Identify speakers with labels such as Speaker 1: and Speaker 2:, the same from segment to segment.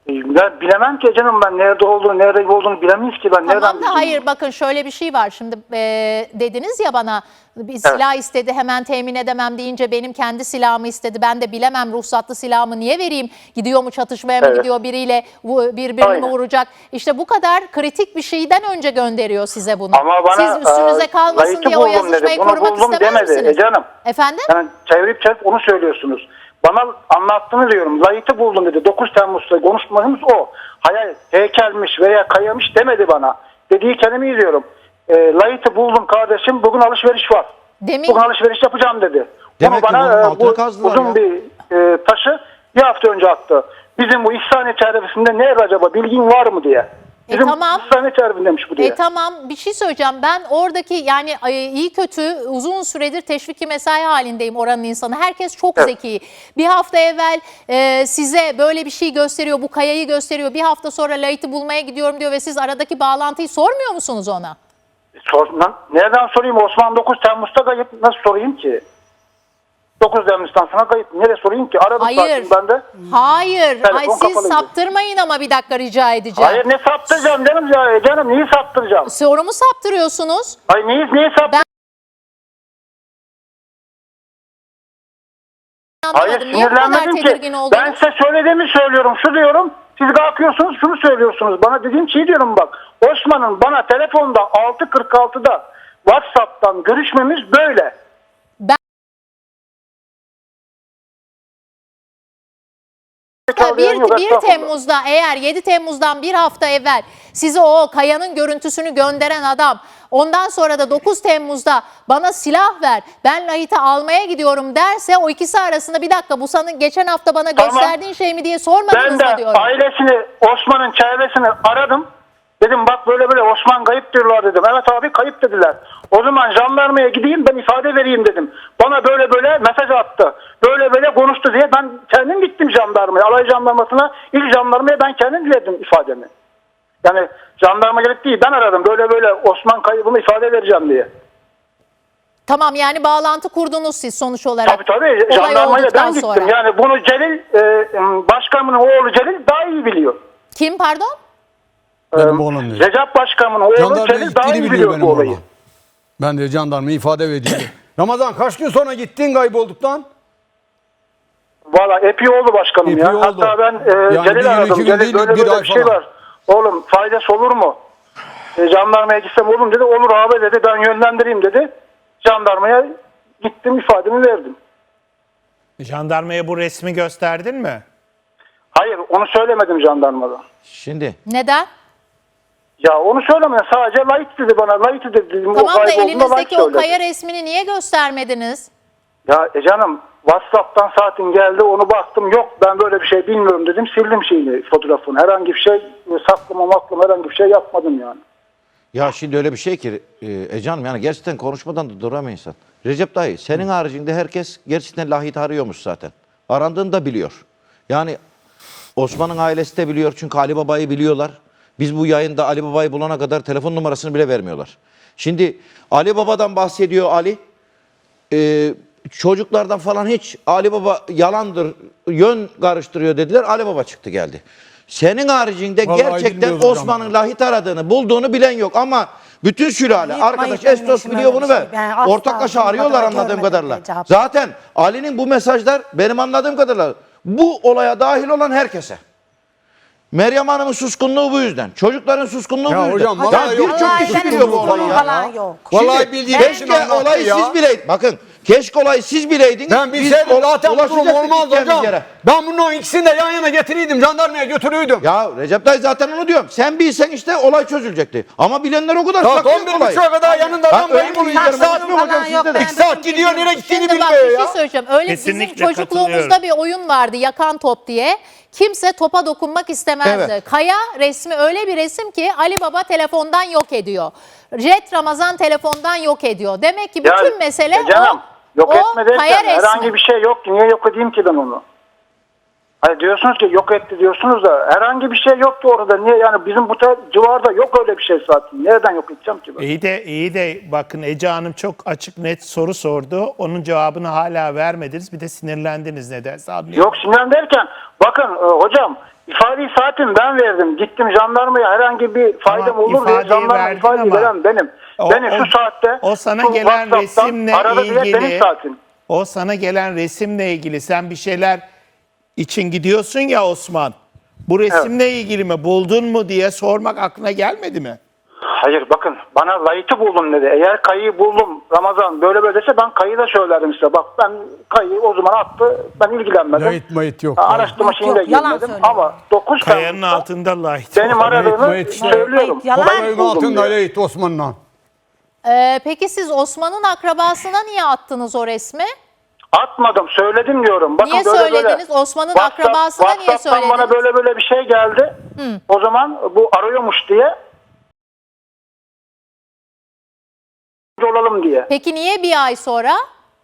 Speaker 1: Ben bilemem ki canım, ben nerede olduğunu bilemeyiz ki, ben nereden
Speaker 2: Tamam da
Speaker 1: bileyim?
Speaker 2: hayır, bakın şöyle bir şey var. Şimdi dediniz ya bana, bir silah istedi, hemen temin edemem deyince benim kendi silahımı istedi. Ben de bilemem, ruhsatlı silahımı niye vereyim? Gidiyor mu çatışmaya mı gidiyor, biriyle birbirini mi vuracak? İşte bu kadar kritik bir şeyden önce gönderiyor size bunu.
Speaker 1: Ama bana,
Speaker 2: siz üstünüze kalmasın
Speaker 1: layıkı
Speaker 2: diye o
Speaker 1: buldum
Speaker 2: yazışmayı
Speaker 1: dedi. Bunu
Speaker 2: korumak
Speaker 1: buldum
Speaker 2: istemez
Speaker 1: demedi
Speaker 2: misiniz?
Speaker 1: canım.
Speaker 2: Efendim?
Speaker 1: Yani çevirip onu söylüyorsunuz. Bana anlattığını diyorum. Layıkı buldum dedi. 9 Temmuz'da konuşmamız o. Hayal, heykelmiş veya kayamış demedi bana. Dediği kelimeyi diyorum. Layıkı buldum kardeşim. Bugün alışveriş var. Bugün alışveriş yapacağım dedi.
Speaker 3: Demek
Speaker 1: Onu
Speaker 3: ki
Speaker 1: bana
Speaker 3: bunun altını kazdılar
Speaker 1: uzun
Speaker 3: ya.
Speaker 1: bir taşı bir hafta önce attı. Bizim bu İhsaniye çevresinde nerede acaba, bilgin var mı diye. Bizim
Speaker 2: tamam.
Speaker 1: İhsaniye çevresindeymiş bu diye.
Speaker 2: Tamam, bir şey söyleyeceğim. Ben oradaki yani iyi kötü uzun süredir teşviki mesai halindeyim oranın insanı. Herkes çok zeki. Bir hafta evvel size böyle bir şey gösteriyor, bu kayayı gösteriyor. Bir hafta sonra Layık'ı bulmaya gidiyorum diyor ve siz aradaki bağlantıyı sormuyor musunuz ona?
Speaker 1: Nereden sorayım? Osman 9 Temmuz'da kayıp, nasıl sorayım ki? 9 Temmuz'dan sonra kayıp. Nereye sorayım ki? Aradım
Speaker 2: Hayır.
Speaker 1: ben de.
Speaker 2: Hayır.
Speaker 1: Telefon
Speaker 2: Ay, siz
Speaker 1: kapalıydı.
Speaker 2: saptırmayın ama bir dakika rica edeceğim.
Speaker 1: Hayır, ne saptıracağım canım ya? Canım neyi saptıracağım?
Speaker 2: Sorumu saptırıyorsunuz.
Speaker 1: Hayır, neyi saptıracağım? Hayır,
Speaker 2: Anlamadım. Niye bu kadar
Speaker 1: sinirlenmedim
Speaker 2: tedirgin
Speaker 1: ki.
Speaker 2: oldunuz?
Speaker 1: Ben size söylediğimi söylüyorum. Şu diyorum. Siz kalkıyorsunuz şunu söylüyorsunuz. Bana dediğim şeyi diyorum bak. Osman'ın bana telefonda 6.46'da WhatsApp'tan görüşmemiz böyle.
Speaker 2: Ya 1 Temmuz'da, eğer 7 Temmuz'dan bir hafta evvel size o kayanın görüntüsünü gönderen adam, ondan sonra da 9 Temmuz'da bana silah ver, ben Lahit'i almaya gidiyorum derse, o ikisi arasında bir dakika, bu sana geçen hafta bana gösterdiğin şey mi diye sormadınız
Speaker 1: Ben
Speaker 2: mı
Speaker 1: de
Speaker 2: diyorum.
Speaker 1: ailesini, Osman'ın çevresini aradım. Dedim bak böyle Osman kayıp diyorlar dedim. Evet abi, kayıp dediler. O zaman jandarmaya gideyim, ben ifade vereyim dedim. Bana böyle mesaj attı. Böyle konuştu diye ben kendim gittim jandarmaya. Alay jandarmasına, ilk jandarmaya ben kendim verdim ifademi. Yani jandarma gelip değil, ben aradım. Böyle Osman kaybını ifade vereceğim diye.
Speaker 2: Tamam, yani bağlantı kurdunuz siz sonuç olarak.
Speaker 1: Tabii
Speaker 2: Olay
Speaker 1: jandarmaya
Speaker 2: olduktan
Speaker 1: ben gittim.
Speaker 2: sonra.
Speaker 1: Yani bunu Celil, başkanımın oğlu Celil daha iyi biliyor.
Speaker 2: Kim pardon?
Speaker 4: Benim oğlum diyor.
Speaker 1: Recep Başkanımın oğlu
Speaker 4: Jandarmaya
Speaker 1: Celil daha iyi
Speaker 4: gittiğini biliyor
Speaker 1: biliyor
Speaker 4: benim
Speaker 1: bu olayı.
Speaker 4: oğlan. Ben de jandarmaya ifade verdim. Ramazan kaç gün sonra gittin kaybolduktan?
Speaker 1: Valla epey oldu başkanım
Speaker 4: Epey
Speaker 1: ya.
Speaker 4: oldu.
Speaker 1: Hatta ben
Speaker 4: Yani
Speaker 1: Celil
Speaker 4: bir gün,
Speaker 1: aradım.
Speaker 4: iki gün
Speaker 1: Celil
Speaker 4: değil,
Speaker 1: böyle
Speaker 4: bir ay
Speaker 1: bir şey
Speaker 4: falan.
Speaker 1: var. Oğlum faydası olur mu? Jandarmaya gitsem oğlum dedi. Olur abi dedi, ben yönlendireyim dedi. Jandarmaya gittim, ifademi verdim.
Speaker 5: Jandarmaya bu resmi gösterdin mi?
Speaker 1: Hayır, onu söylemedim jandarmada.
Speaker 3: Şimdi
Speaker 2: Neden?
Speaker 1: Ya onu söylemedim. Sadece layık dedi bana. Layık dedi dedim.
Speaker 2: Tamam da
Speaker 1: kaybolduğunda layık
Speaker 2: elinizdeki o
Speaker 1: söyledi.
Speaker 2: kaya resmini niye göstermediniz?
Speaker 1: Ya canım, WhatsApp'tan saatin geldi, onu baktım, yok ben böyle bir şey bilmiyorum dedim, sildim fotoğrafını. Herhangi bir şey saklama herhangi bir şey yapmadım yani.
Speaker 3: ya şimdi öyle bir şey ki Canım, yani gerçekten konuşmadan da duramıyor insan. Recep dayı, senin haricinde herkes gerçekten Lahit arıyormuş zaten. Arandığını da biliyor. Yani Osman'ın ailesi de biliyor, çünkü Ali Baba'yı biliyorlar. Biz bu yayında Ali Baba'yı bulana kadar telefon numarasını bile vermiyorlar. Şimdi Ali Baba'dan bahsediyor Ali. Çocuklardan falan hiç Ali Baba yalandır, yön karıştırıyor dediler. Ali Baba çıktı geldi. Senin haricinde
Speaker 4: Vallahi
Speaker 3: gerçekten
Speaker 4: bilmiyoruz
Speaker 3: Osman'ın
Speaker 4: hocam.
Speaker 3: Lahit aradığını, bulduğunu bilen yok. Ama bütün sülale,
Speaker 6: Yıkmayın
Speaker 3: arkadaş
Speaker 6: benim
Speaker 3: Estos
Speaker 6: işim
Speaker 3: biliyor
Speaker 6: öyle
Speaker 3: bunu
Speaker 6: bir
Speaker 3: ve
Speaker 6: şey. Ben asla
Speaker 3: ortaklaşa
Speaker 6: bugüne
Speaker 3: arıyorlar
Speaker 6: kadar
Speaker 3: anladığım
Speaker 6: görmedim
Speaker 3: kadarıyla.
Speaker 6: Recep.
Speaker 3: Zaten Ali'nin bu mesajlar benim anladığım kadarıyla bu olaya dahil olan herkese. Meryem Hanım'ın suskunluğu bu yüzden. Çocukların suskunluğu
Speaker 4: Ya
Speaker 3: bu yüzden.
Speaker 4: hocam, vallahi yok.
Speaker 3: birçok kişi
Speaker 4: Vallahi
Speaker 3: biliyor bu
Speaker 4: benim
Speaker 3: olayı
Speaker 6: falan
Speaker 3: ya.
Speaker 6: yok.
Speaker 4: Vallahi bildiğim için
Speaker 3: Keşke
Speaker 4: anlattı
Speaker 3: olayı
Speaker 4: ya.
Speaker 3: siz bileydiniz. Bakın, keşke olayı siz bileydiniz.
Speaker 4: Ben bilseydim zaten bu durum
Speaker 3: ulaşacaktık
Speaker 4: olmazdı
Speaker 3: gideceğimiz
Speaker 4: hocam.
Speaker 3: yere.
Speaker 4: Ben bunun ikisini de yan yana getiriydim. Jandarmaya götürüydüm.
Speaker 3: Ya Recep dayı zaten onu diyorum. Sen bilsen işte olay çözülecekti. Ama bilenler o kadar
Speaker 4: Saat
Speaker 3: saklıyor
Speaker 4: 11.30'a kadar yanında
Speaker 3: Ben
Speaker 4: adam
Speaker 3: öyle
Speaker 4: kayıp oluyor.
Speaker 3: bilgilerim
Speaker 4: 2 saat
Speaker 3: anlatmıyorum hocam,
Speaker 6: yok,
Speaker 3: sizde de.
Speaker 6: ben-
Speaker 4: 2 saat gidiyor, nereye gittiğini
Speaker 2: Şimdi bak
Speaker 4: bilmiyor
Speaker 2: bir
Speaker 4: ya.
Speaker 2: şey söyleyeceğim. Öyle
Speaker 5: Kesinlikle
Speaker 2: bizim çocukluğumuzda
Speaker 5: katılıyorum.
Speaker 2: bir oyun vardı, yakan top diye. Kimse topa dokunmak istemezdi.
Speaker 3: Evet.
Speaker 2: Kaya resmi öyle bir resim ki Ali Baba telefondan yok ediyor. Jet Ramazan telefondan yok ediyor. Demek ki bütün mesele
Speaker 1: canım, yok
Speaker 2: o
Speaker 1: etme derken
Speaker 2: kaya resmi.
Speaker 1: herhangi bir şey yok ki. Niye yok edeyim ki ben onu? Hani diyorsunuz ki yok etti diyorsunuz da herhangi bir şey yoktu orada. Niye yani, bizim bu civarda yok öyle bir şey zaten. Nereden yok edeceğim ki ben?
Speaker 5: İyi de bakın, Ece Hanım çok açık net soru sordu. Onun cevabını hala vermediniz. Bir de sinirlendiniz nedense. Anlıyorum.
Speaker 1: Yok, sinirlen derken bakın hocam, İfadeyi zaten ben verdim. Gittim jandarmaya, herhangi bir faydam
Speaker 5: Tamam,
Speaker 1: olur diye
Speaker 5: ifadeyi
Speaker 1: jandarma
Speaker 5: verdin
Speaker 1: ifadeyi
Speaker 5: ama
Speaker 1: veren benim. Beni şu saatte
Speaker 5: o sana
Speaker 1: şu
Speaker 5: gelen
Speaker 1: WhatsApp'tan
Speaker 5: resimle
Speaker 1: aradı diye
Speaker 5: ilgili
Speaker 1: benim zaten.
Speaker 5: o sana gelen resimle ilgili sen bir şeyler için gidiyorsun ya Osman. Bu resimle ilgili mi buldun mu diye sormak aklına gelmedi mi?
Speaker 1: Hayır bakın, bana layıtı buldum dedi. Eğer kayıyı buldum Ramazan böyle böyle dese ben kayıyı da söylerim size. Bak ben kayıyı o zaman attı, ben ilgilenmedim.
Speaker 4: Layıt mayıt yok.
Speaker 1: Araştırma
Speaker 6: Yok,
Speaker 1: şeyine
Speaker 6: yok, yalan
Speaker 1: girmedim
Speaker 6: söylüyor.
Speaker 1: ama 9
Speaker 5: Kayanın
Speaker 1: Temmuz'da
Speaker 5: altında layık.
Speaker 1: benim aradığımı
Speaker 4: layık işte.
Speaker 1: söylüyorum.
Speaker 6: Yalan.
Speaker 1: Kayıyı
Speaker 4: Kayın
Speaker 1: buldum
Speaker 4: altında
Speaker 1: diye.
Speaker 4: Layıt Osman'la.
Speaker 2: Peki siz Osman'ın akrabasına niye attınız o resmi?
Speaker 1: Atmadım, söyledim diyorum. Bakın
Speaker 2: Niye
Speaker 1: böyle
Speaker 2: söylediniz?
Speaker 1: böyle.
Speaker 2: Osman'ın akrabasına niye
Speaker 1: WhatsApp'tan bana
Speaker 2: söylediniz?
Speaker 1: böyle böyle bir şey geldi. O zaman bu arıyormuş diye. Olalım diye.
Speaker 2: Peki niye bir ay sonra?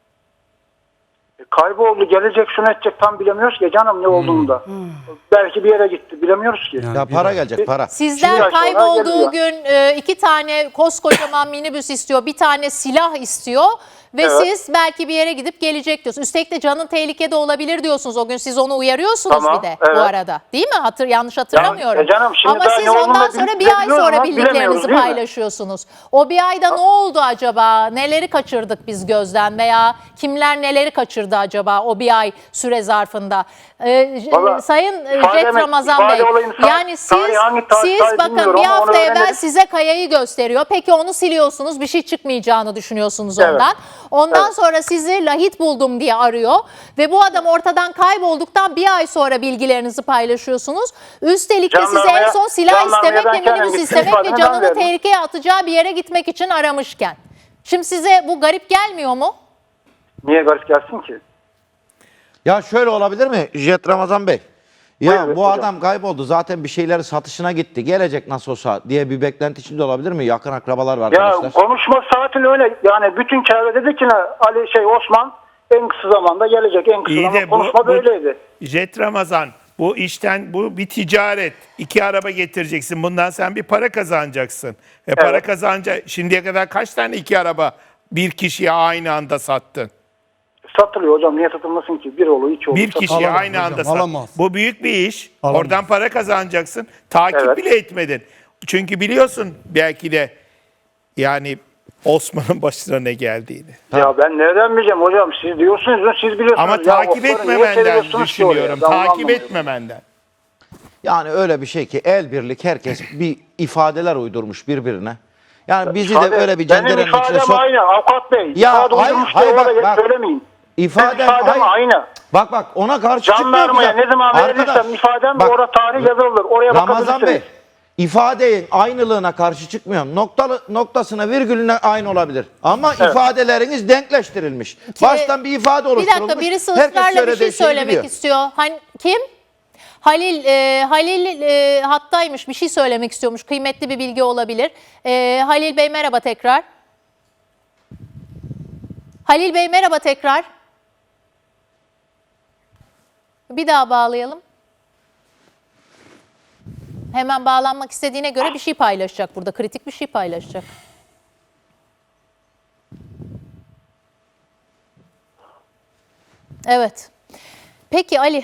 Speaker 1: Kayboldu, gelecek, şunu edecek, tam bilemiyoruz ki canım ne olduğunu da. Belki bir yere gitti, bilemiyoruz ki.
Speaker 3: Ya para gelecek para.
Speaker 2: Sizden
Speaker 1: Şimdi
Speaker 2: kaybolduğu
Speaker 1: geliyor.
Speaker 2: gün 2 tane koskocaman minibüs istiyor, bir tane silah istiyor ve
Speaker 1: Evet.
Speaker 2: siz belki bir yere gidip gelecek diyorsunuz. Üstelik de canın tehlikede olabilir diyorsunuz. O gün siz onu uyarıyorsunuz
Speaker 1: Tamam,
Speaker 2: bir de
Speaker 1: evet.
Speaker 2: bu arada. Değil mi? Yanlış hatırlamıyorum.
Speaker 1: canım, şimdi
Speaker 2: Ama
Speaker 1: daha
Speaker 2: siz
Speaker 1: ne olduğunu
Speaker 2: ondan
Speaker 1: biz
Speaker 2: sonra
Speaker 1: de
Speaker 2: bir ay
Speaker 1: biliyoruz
Speaker 2: sonra
Speaker 1: ama bilemiyoruz,
Speaker 2: bildiklerinizi
Speaker 1: değil mi?
Speaker 2: paylaşıyorsunuz. O bir ayda ne oldu acaba? Neleri kaçırdık biz gözden veya kimler neleri kaçırdı acaba o bir ay süre zarfında?
Speaker 1: Vallahi
Speaker 2: Sayın
Speaker 1: ifade
Speaker 2: Jet
Speaker 1: mi-
Speaker 2: Ramazan
Speaker 1: ifade
Speaker 2: Bey,
Speaker 1: olayını
Speaker 2: yani
Speaker 1: tarihi hangi tarihte
Speaker 2: siz bakın
Speaker 1: bilmiyorum
Speaker 2: bir
Speaker 1: ama onu
Speaker 2: hafta evvel
Speaker 1: öğrenelim.
Speaker 2: size kayayı gösteriyor. Peki onu siliyorsunuz, bir şey çıkmayacağını düşünüyorsunuz
Speaker 1: Evet.
Speaker 2: ondan. Ondan
Speaker 1: Evet.
Speaker 2: sonra sizi lahit buldum diye arıyor ve bu adam ortadan kaybolduktan bir ay sonra bilgilerinizi paylaşıyorsunuz. Üstelik de sizi en
Speaker 1: Jandarmaya-
Speaker 2: son silah
Speaker 1: jandarmaya
Speaker 2: istemek
Speaker 1: ben
Speaker 2: ve
Speaker 1: kendim
Speaker 2: minibüs
Speaker 1: gittim,
Speaker 2: istemek ve
Speaker 1: ifademi ben
Speaker 2: canını
Speaker 1: verdim.
Speaker 2: tehlikeye atacağı bir yere gitmek için aramışken. Şimdi size bu garip gelmiyor mu?
Speaker 1: Niye garip gelsin ki?
Speaker 3: Ya şöyle olabilir mi Jet Ramazan Bey? Ya
Speaker 1: Buyurun
Speaker 3: bu
Speaker 1: hocam.
Speaker 3: adam kayboldu zaten bir şeyleri satışına gitti. Gelecek nasıl olsa diye bir beklenti içinde olabilir mi? Yakın akrabalar var
Speaker 1: Ya
Speaker 3: arkadaşlar.
Speaker 1: konuşma saatin öyle. Yani bütün çevre dedi ki ne, Osman en kısa zamanda gelecek. En kısa
Speaker 5: İyi
Speaker 1: zamanda
Speaker 5: de
Speaker 1: konuşma böyleydi.
Speaker 5: Jet Ramazan bu işten bu bir ticaret. 2 araba getireceksin. Bundan sen bir para kazanacaksın. Para kazanacak. Şimdiye kadar kaç tane 2 araba bir kişiye aynı anda sattın?
Speaker 1: Satılıyor hocam. Niye satılmasın ki? Bir olur, iki olur.
Speaker 5: Bir kişiye
Speaker 4: Alamaz
Speaker 5: aynı
Speaker 4: hocam,
Speaker 5: anda sattın.
Speaker 4: alamaz.
Speaker 5: Bu büyük bir iş.
Speaker 4: Alamaz.
Speaker 5: Oradan para kazanacaksın. Takip
Speaker 1: Evet.
Speaker 5: bile etmedin. Çünkü biliyorsun belki de yani Osman'ın başına ne geldiğini.
Speaker 1: Ya ben nereden bileceğim hocam? Siz diyorsunuz, siz biliyorsunuz.
Speaker 5: Ama
Speaker 1: Ya
Speaker 5: takip
Speaker 1: Osman'ı niye
Speaker 5: etmemenden
Speaker 1: seviyorsunuz ki oraya?
Speaker 5: düşünüyorum.
Speaker 1: Ben onu
Speaker 5: Takip
Speaker 1: anlamıyorum.
Speaker 5: etmemenden.
Speaker 3: Yani öyle bir şey ki el birlik herkes bir ifadeler uydurmuş birbirine. Yani bizi
Speaker 1: İfade-
Speaker 3: de öyle bir
Speaker 1: benim
Speaker 3: cenderenin içine
Speaker 1: ifadem
Speaker 3: sok.
Speaker 1: aynı avukat bey.
Speaker 3: Ya
Speaker 1: İfade
Speaker 3: hayır,
Speaker 1: uydurmuş
Speaker 3: hayır,
Speaker 1: diye
Speaker 3: bak,
Speaker 1: orada
Speaker 3: bak.
Speaker 1: söylemeyin.
Speaker 3: İfadem
Speaker 1: Benim ifadem
Speaker 3: hayır.
Speaker 1: aynı.
Speaker 3: Bak ona karşı çıkmıyor
Speaker 1: Jandarmaya
Speaker 3: bize.
Speaker 1: ne zaman
Speaker 3: Arkadaş,
Speaker 1: verilirsem ifadem
Speaker 3: bak,
Speaker 1: orada tarih yazılır. Oraya
Speaker 3: Ramazan Bey,
Speaker 1: bakabilirsiniz.
Speaker 3: ifadenin aynılığına karşı çıkmıyorum. Noktasına virgülüne aynı olabilir. Ama ifadeleriniz denkleştirilmiş. Baştan bir ifade
Speaker 2: Bir
Speaker 3: oluşturulmuş.
Speaker 2: dakika, birisi
Speaker 3: Herkes
Speaker 2: ısrarla bir
Speaker 3: söylediği
Speaker 2: şey
Speaker 3: şeyi
Speaker 2: söylemek
Speaker 3: biliyor.
Speaker 2: istiyor. Hani kim? Halil hattaymış, bir şey söylemek istiyormuş. Kıymetli bir bilgi olabilir. Halil Bey merhaba tekrar. Halil Bey merhaba tekrar. Bir daha bağlayalım. Hemen bağlanmak istediğine göre bir şey paylaşacak burada. Kritik bir şey paylaşacak. Evet. Peki Ali.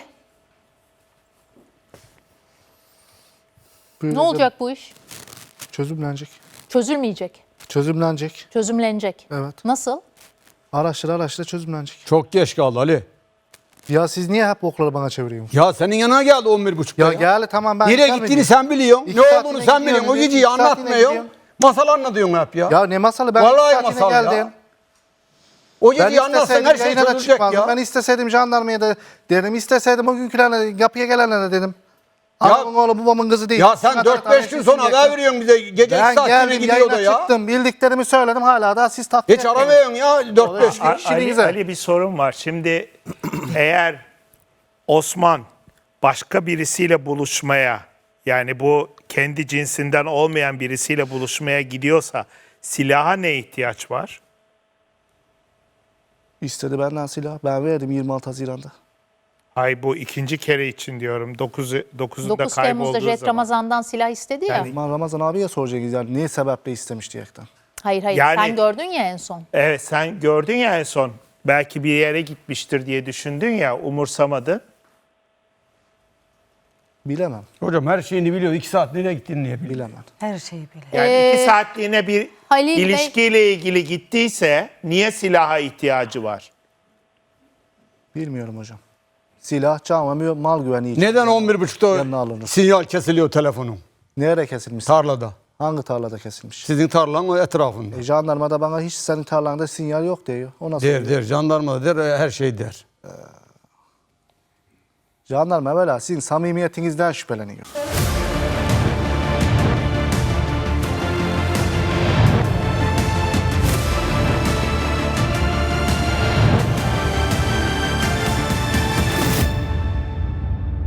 Speaker 2: Ne olacak bu iş?
Speaker 7: Çözümlenecek.
Speaker 2: Çözülmeyecek.
Speaker 7: Çözümlenecek.
Speaker 2: Çözümlenecek.
Speaker 7: Evet.
Speaker 2: Nasıl?
Speaker 7: Araştıra çözümlenecek.
Speaker 4: Çok geç kaldı Ali.
Speaker 7: Ya siz niye hep okları bana çeviriyorsunuz?
Speaker 4: Ya senin yanına geldi 11.30'da.
Speaker 7: Ya gel tamam ben
Speaker 4: Nereye
Speaker 7: gelmedim.
Speaker 4: gittiğini sen biliyorsun.
Speaker 7: İki
Speaker 4: Ne
Speaker 7: saatine
Speaker 4: olduğunu sen biliyorsun. O
Speaker 7: gidiyorum,
Speaker 4: geceyi
Speaker 7: iki saatine
Speaker 4: anlatmıyorsun.
Speaker 7: gidiyorum.
Speaker 4: Masal anlatıyorsun hep ya.
Speaker 7: Ya ne masalı ben
Speaker 4: Vallahi
Speaker 7: iki saatine
Speaker 4: masal ya.
Speaker 7: geldim.
Speaker 4: O
Speaker 7: Ben
Speaker 4: geceyi anlatsan
Speaker 7: isteseydim
Speaker 4: her şey
Speaker 7: yayına da
Speaker 4: çözülecek
Speaker 7: çıkmazdım.
Speaker 4: ya.
Speaker 7: Ben isteseydim jandarmaya da dedim. İsteseydim o günkülerine kapıya gelenlere dedim.
Speaker 4: Ya-
Speaker 7: Anamın oğlu babamın kızı değil.
Speaker 4: Ya sen
Speaker 7: Şuna
Speaker 4: 4-5 gün sonra haber veriyorsun bize. Gece 2
Speaker 7: Ben
Speaker 4: saat
Speaker 7: geldim
Speaker 4: gidiyor da
Speaker 7: yayına
Speaker 4: ya.
Speaker 7: çıktım. Bildiklerimi söyledim hala da siz tatmin
Speaker 4: Hiç aramıyorsun ya 4-5 gün.
Speaker 7: İşinize.
Speaker 5: Ali bir sorun var. Şimdi eğer Osman başka birisiyle buluşmaya yani bu kendi cinsinden olmayan birisiyle buluşmaya gidiyorsa silaha ne ihtiyaç var?
Speaker 7: İstedi benden silah. Ben verdim 26 Haziran'da.
Speaker 5: Ay bu ikinci kere için diyorum. 9'unda
Speaker 2: 9 Temmuz'da
Speaker 5: kaybolduğu
Speaker 2: Jet
Speaker 5: zaman.
Speaker 2: Ramazan'dan silah istedi ya.
Speaker 7: Ama Ramazan abiye soracağız yani niye sebeple istemiş diyerekten.
Speaker 2: Hayır
Speaker 5: Yani-
Speaker 2: sen gördün ya en son.
Speaker 5: Evet sen gördün ya en son. Belki bir yere gitmiştir diye düşündün ya umursamadın.
Speaker 7: Bilemem.
Speaker 4: Hocam her şeyini biliyor. 2 saat nereye gittiğini niye biliyor?
Speaker 7: Bilemem.
Speaker 6: Her şeyi biliyor.
Speaker 5: Yani 2 saatliğine bir
Speaker 2: Halil Bey-
Speaker 5: ilişkiyle ilgili gittiyse niye silaha ihtiyacı var?
Speaker 7: Bilmiyorum hocam. Silah, can ve mal güvenliği için.
Speaker 4: Neden
Speaker 7: yanına
Speaker 4: 11.30'da
Speaker 7: alınır.
Speaker 4: sinyal kesiliyor telefonun?
Speaker 7: Nereye kesilmiş?
Speaker 4: Tarlada.
Speaker 7: Hangi tarlada kesilmiş?
Speaker 4: Sizin tarlanın etrafında.
Speaker 7: Jandarma da bana hiç senin tarlanda sinyal yok diyor. O nasıl oluyor?
Speaker 4: Der, jandarma da der, her şey der.
Speaker 7: Jandarma evvela sizin samimiyetinizden şüpheleniyor.